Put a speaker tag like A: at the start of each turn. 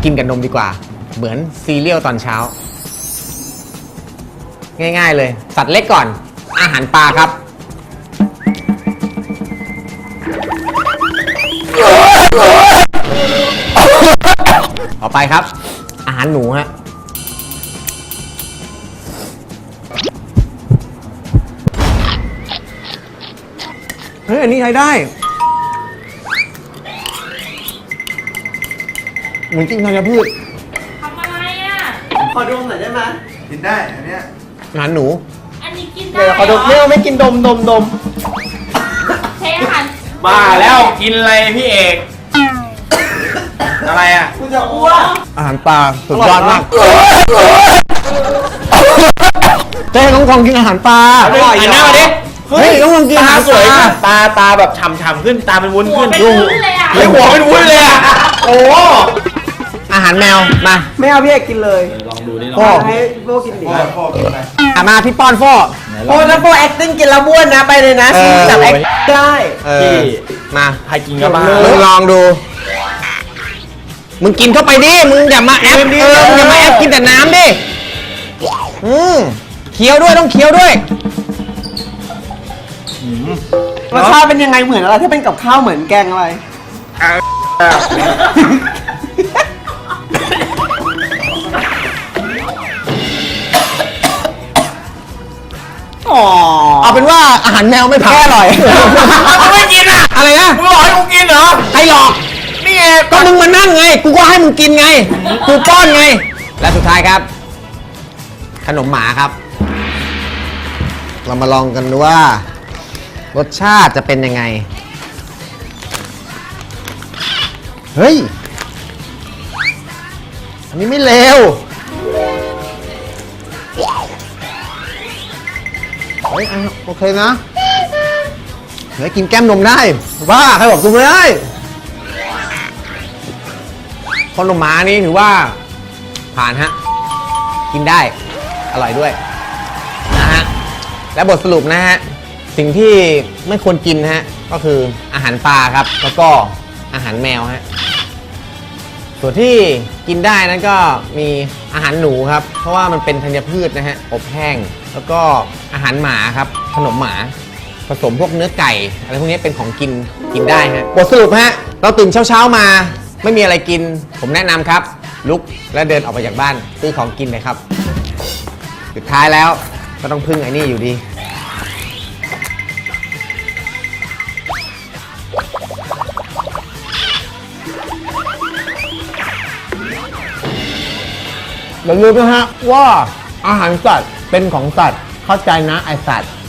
A: กินกับนมดีกว่าเหมือนซีเรียลตอนเช้าง่ายๆเลยสัตว์เล็กก่อนอาหารปลาครับต่อไปครับอาหารหนูฮะเฮ้ยอันนี้ใช้ได้เหมือนกินธัญพืช
B: ทำอะไรอ่ะ
C: ขอดมหน่อยได้ไหม
D: กินได้อันเนี้ย
A: อาหารหนู
B: อันนี้กินได้
C: เดี๋ยวขอดมไม่กินดม
B: ใช้อาหาร
E: บ้าแล้วกินอะไรพี่เอกอะไรอ่ะ
C: กูจะอ้วก
A: อาหารปลาสุดยอดมากเจ๊น้องคองกินอาหารปลา
E: หันหน้ามาดิ
A: เฮ้ยน้องคองกินอาหารสวยขึ้น
E: ตาแบบฉ่ำๆขึ้นตาเป็นวุ้นขึ้น
B: หัวเป็นวุ้นเลยอ่ะ
E: เฮ้ยหัวเป็นวุ้นเลยอ่ะโอ้
A: อาหารแมวมา
C: ไม่เอาพี่เอกกินเลย
E: ลองดูนี่ลอง
A: พ่อ
C: ให้โบกินดิ
D: พ่อกินอะไร
A: มาพี่ป้อนพ่อ
C: โบถ้าโบ acting กินแล้วบ้วนนะไปเลยนะจับ act ได้
E: พี่
A: มา
E: ใครกินก็บ้า
A: มึงลองดูมึงกินเข้าไปดิมึงอย่ามาแอปมึงอย่ามาแอปกินแต่น้ำดิเคี้ยวด้วยต้องเคี้ยวด้วย
C: รสชาติเป็นยังไงเหมือนอะไรถ้าเป็นกับข้าวเหมือนแกงอะไร
A: เอาเป็นว่าอาหารแมวไม่ผ่านอร่อย
E: กูไม่กินอ่ะ
A: อะไรนะ
E: มึงหลอกให้กูกินเหรอ
A: ใครหลอก
E: นี่ไง
A: ก็มึงมานั่งไงกูก็ให้มึงกินไงกูป้อนไงและสุดท้ายครับขนมหมาครับเรามาลองกันดูว่ารสชาติจะเป็นยังไงเฮ้ยอันนี้ไม่เลวเฮ้ยโอเคนะเดี๋ยวกินแก้มนมได้บ้าใครบอกกินไม่ได้ขนมหมานี่ถือว่าผ่านฮะกินได้อร่อยด้วยนะฮะและบทสรุปนะฮะสิ่งที่ไม่ควรกินฮะก็คืออาหารปลาครับแล้วก็อาหารแมวฮะส่วนที่กินได้นั้นก็มีอาหารหนูครับเพราะว่ามันเป็นธัญพืชนะฮะอบแห้งแล้วก็อาหารหมาครับขนมหมาผสมพวกเนื้อไก่อะไรพวกนี้เป็นของกินได้ฮะบทสรุปฮะเราตื่นเช้ามาไม่มีอะไรกินผมแนะนำครับลุกและเดินออกไปจากบ้านซื้อของกินเลยครับสุดท้ายแล้วก็ต้องพึ่งไอ้นี่อยู่ดีอย่าลืมนะฮะว่าอาหารสัตว์เป็นของสัตว์เข้าใจนะไอสัตว์